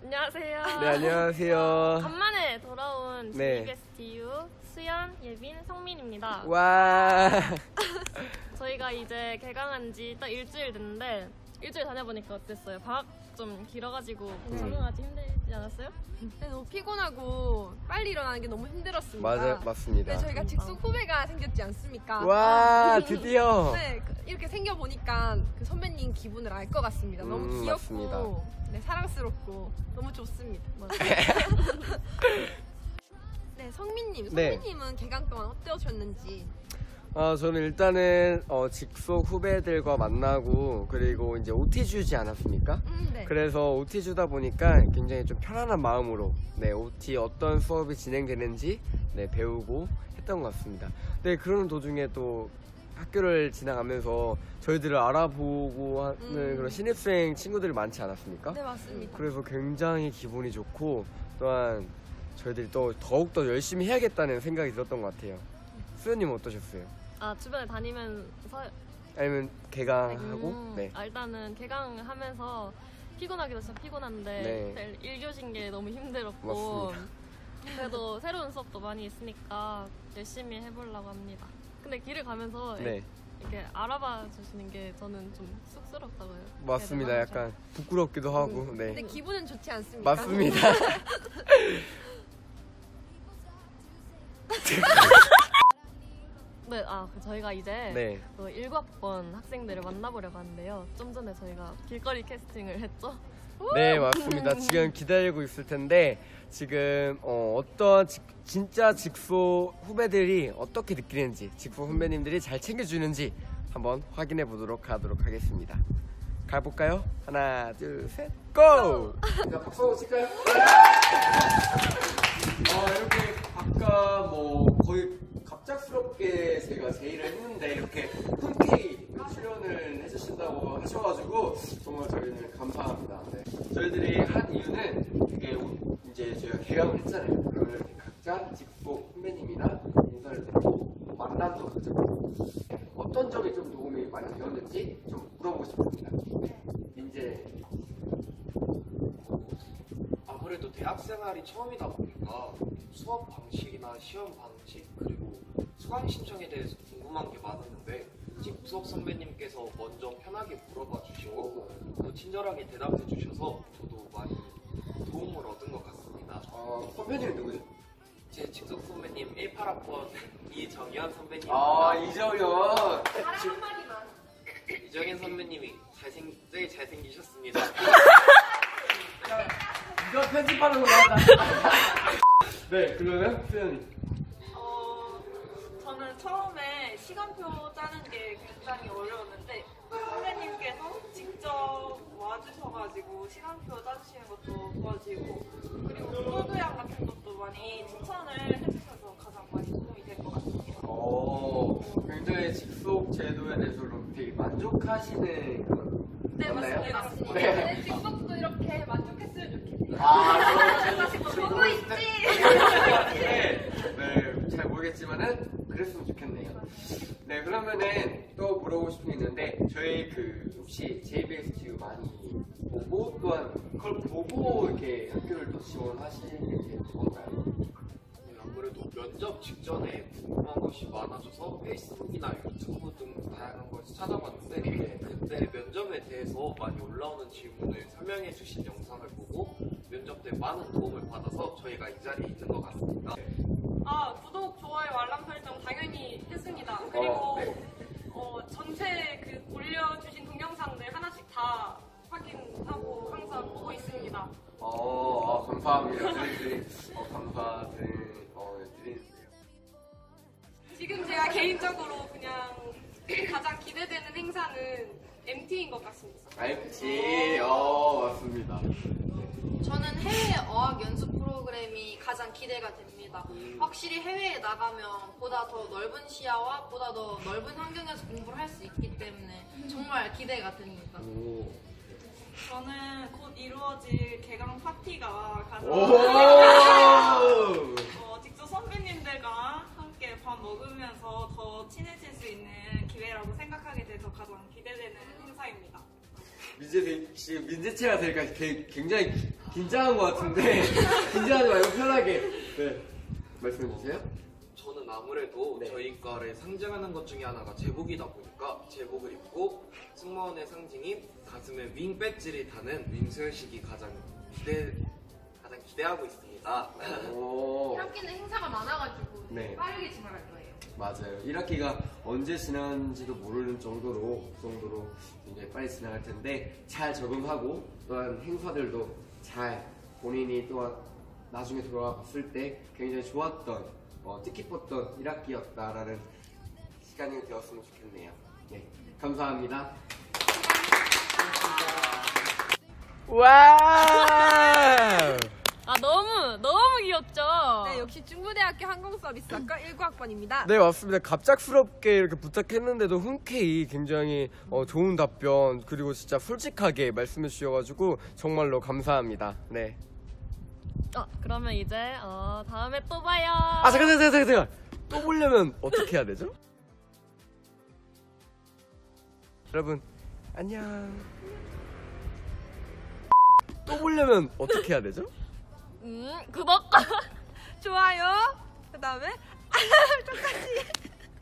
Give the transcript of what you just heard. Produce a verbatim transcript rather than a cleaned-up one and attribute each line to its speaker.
Speaker 1: 안녕하세요.
Speaker 2: 네, 안녕하세요.
Speaker 1: 간만에 돌아온
Speaker 2: 네.
Speaker 1: 지비게스트유 수연, 예빈, 성민입니다.
Speaker 2: 와.
Speaker 1: 저희가 이제 개강한 지 딱 일주일 됐는데 일주일 다녀보니까 어땠어요? 방학 좀 길어가지고
Speaker 2: 음.
Speaker 1: 적응하기 힘들지 않았어요?
Speaker 3: 네, 너무 피곤하고 빨리 일어나는 게 너무 힘들었습니다.
Speaker 2: 맞아, 맞습니다.
Speaker 3: 네, 저희가 직속 후배가 생겼지 않습니까?
Speaker 2: 와, 드디어.
Speaker 3: 네, 그- 이렇게 생겨보니까 그 선배님 기분을 알 것 같습니다. 너무
Speaker 2: 음,
Speaker 3: 귀엽고
Speaker 2: 맞습니다.
Speaker 3: 네, 사랑스럽고 너무 좋습니다. 네, 성민님,
Speaker 2: 네.
Speaker 3: 성민님은 개강 동안 어떠셨는지?
Speaker 2: 어, 저는 일단은 어, 직속 후배들과 만나고 그리고 이제 오티 주지 않았습니까?
Speaker 3: 음, 네.
Speaker 2: 그래서 오티 주다 보니까 굉장히 좀 편안한 마음으로 네, 오티 어떤 수업이 진행되는지 네, 배우고 했던 것 같습니다. 네, 그러는 도중에 또 학교를 지나가면서 저희들을 알아보고 하는
Speaker 3: 음.
Speaker 2: 그런 신입생 친구들이 많지 않았습니까?
Speaker 3: 네, 맞습니다.
Speaker 2: 그래서 굉장히 기분이 좋고 또한 저희들이 또 더욱더 열심히 해야겠다는 생각이 들었던 것 같아요. 수연님은 어떠셨어요?
Speaker 1: 아 주변에 다니면서
Speaker 2: 아니면 개강하고?
Speaker 1: 음,
Speaker 2: 네.
Speaker 1: 아, 일단은 개강하면서 피곤하기도 진짜 피곤한데
Speaker 2: 네.
Speaker 1: 일 교시인 게 너무 힘들었고
Speaker 2: 맞습니다.
Speaker 1: 그래도 새로운 수업도 많이 있으니까 열심히 해보려고 합니다. 근데 길을 가면서
Speaker 2: 네.
Speaker 1: 이렇게 알아봐 주시는 게 저는 좀 쑥스럽다고요.
Speaker 2: 맞습니다.
Speaker 1: 네,
Speaker 2: 약간 부끄럽기도 하고.
Speaker 3: 근데
Speaker 2: 네.
Speaker 3: 기분은 좋지 않습니까?
Speaker 2: 맞습니다.
Speaker 1: 네, 아 그 저희가 이제
Speaker 2: 네.
Speaker 1: 그 일과학번 학생들을 만나보려고 하는데요. 좀 전에 저희가 길거리 캐스팅을 했죠.
Speaker 2: 네, 맞습니다. 지금 기다리고 있을 텐데 지금 어, 어떤 직- 진짜 직소 후배들이 어떻게 느끼는지 직소 선배님들이 잘 챙겨주는지 한번 확인해 보도록 하도록 하겠습니다. 가볼까요? 하나, 둘, 셋, 고! 자, 박수 한번 칠까요? 어, 이렇게 아까 뭐 거의 갑작스럽게 제가 제의를 했는데 이렇게 흔쾌히 출연을 해주신다고 하셔가지고 정말 저희는 감사합니다. 네. 저희들이 한 이유는 이게 이제 저희가 개강을 했잖아요. 그러면 이렇게 각자 직속 선배님이나 인사를 드리고 만남도 가졌고 어떤 점이 좀 도움이 많이 되었는지 좀 물어보고 싶습니다. 이제
Speaker 4: 아무래도 대학 생활이 처음이다 보니까 수업 방식이나 시험 방식 그리고 수강 신청에 대해서 궁금한 게 많았는데 직속 선배님께서 먼저 편하게 물어봐 주시고 또 친절하게 대답해 주셔서 저도 많이 도움을 얻은 것 같습니다.
Speaker 2: 어, 선배님은 누구죠?
Speaker 4: 제 직속 선배님 십팔 학번 이정현 선배님.
Speaker 2: 아, 이정현.
Speaker 3: 사랑 한마디만.
Speaker 4: 이정현 선배님이 잘생 제일 잘생기셨습니다.
Speaker 2: 이거 편집하는 거 맞다. 네, 그러면 수연이.
Speaker 5: 어, 저는 처음에 시간표 짜는 게 굉장히 어려웠는데 선생님께서 직접 와주셔가지고 시간표 짜주시는 것도 도와주시고 그리고 코드양 같은 것도 많이 추천을 해주셔서 가장 많이 도움이 될 것 같습니다.
Speaker 2: 오, 굉장히 직속 제도에 대해서 되게 만족하시는 그런.
Speaker 5: 네,
Speaker 2: 맞나요?
Speaker 5: 맞습니다.
Speaker 2: 네.
Speaker 3: 네, 직속도 이렇게 만족했으면 좋겠네요.
Speaker 2: 아,
Speaker 3: 보고 있지?
Speaker 2: 네, 네, 잘 모르겠지만은 그랬으면 좋겠네요. 네, 그러면은 또 물어보고 싶은 게 있는데 저희 그 혹시 제이비에스티유 많이 보고 또한 그걸 보고 이렇게 학교를 또 지원하시는 게 뭔가요?
Speaker 4: 네, 아무래도 면접 직전에 궁금한 것이 많아져서 페이스북이나 유튜브 등 다양한 것을 찾아봤는데 그때 면접에 대해서 많이 올라오는 질문을 설명해 주신 영상을 보고 면접 때 많은 도움을 받아서 저희가 이 자리에 있는 것 같습니다.
Speaker 5: 아, 구독, 좋아요, 알람 설정 당연히 했습니다. 그리고
Speaker 2: 어, 네.
Speaker 5: 어, 전체 그 올려주신 동영상들 하나씩 다 확인하고 항상 보고 있습니다.
Speaker 2: 어, 아, 감사합니다. 저희들이 어, 감사드리, 어, 드리는데요.
Speaker 5: 지금 제가 개인적으로 그냥 가장 기대되는 행사는 엠티인 것 같습니다.
Speaker 2: 알지? 어, 맞습니다.
Speaker 6: 저는 해외 어학 연수 프로그램이 가장 기대가 됩니다. 확실히 해외에 나가면 보다 더 넓은 시야와 보다 더 넓은 환경에서 공부를 할 수 있기 때문에 정말 기대가 됩니다.
Speaker 2: 오.
Speaker 5: 저는 곧 이루어질 개강 파티가 가장
Speaker 2: 오!
Speaker 5: 어, 직접 선배님들과 함께 밥 먹으면서 더 친해질 수 있는 기회라고 생각하게 돼서 가장 기대되는 행사입니다.
Speaker 2: 민재 씨 민재체가 되니까 게- 굉장히 기- 긴장한 것 같은데 긴장하지 말고 편하게 네 말씀해 주세요.
Speaker 4: 저는 아무래도
Speaker 2: 네.
Speaker 4: 저희 과를 상징하는 것 중에 하나가 제복이다 보니까 제복을 입고 승무원의 상징인 가슴에 윙 배지를 다는 윙소연식이 가장 기대 가장 기대하고 있습니다.
Speaker 2: 오.
Speaker 6: 일 학기는 행사가 많아가지고
Speaker 2: 네.
Speaker 6: 빠르게 진행할 거예요.
Speaker 2: 맞아요. 일 학기가 언제 지나는지도 모르는 정도로 그 정도로 굉장히 빨리 지나갈 텐데 잘 적응하고 또한 행사들도 잘 본인이 또한 나중에 돌아와 봤을 때 굉장히 좋았던 어, 뜻깊었던 일 학기였다라는 시간이 되었으면 좋겠네요. 네, 감사합니다.
Speaker 7: 와!
Speaker 1: 아 너무 너무 귀엽죠?
Speaker 3: 네, 역시 중부대학교 항공서비스학과 일 구 학번입니다.
Speaker 7: 네, 맞습니다. 갑작스럽게 이렇게 부탁했는데도 흔쾌히 굉장히 어, 좋은 답변 그리고 진짜 솔직하게 말씀해 주셔가지고 정말로 감사합니다. 네.
Speaker 1: 어, 그러면 이제 어, 다음에 또 봐요.
Speaker 7: 아 잠깐 잠깐 잠깐 잠깐. 또 보려면 어떻게 해야 되죠? 여러분 안녕. 또 보려면 어떻게 해야 되죠?
Speaker 1: 음, 구독과
Speaker 3: 좋아요. 그 다음에 똑같이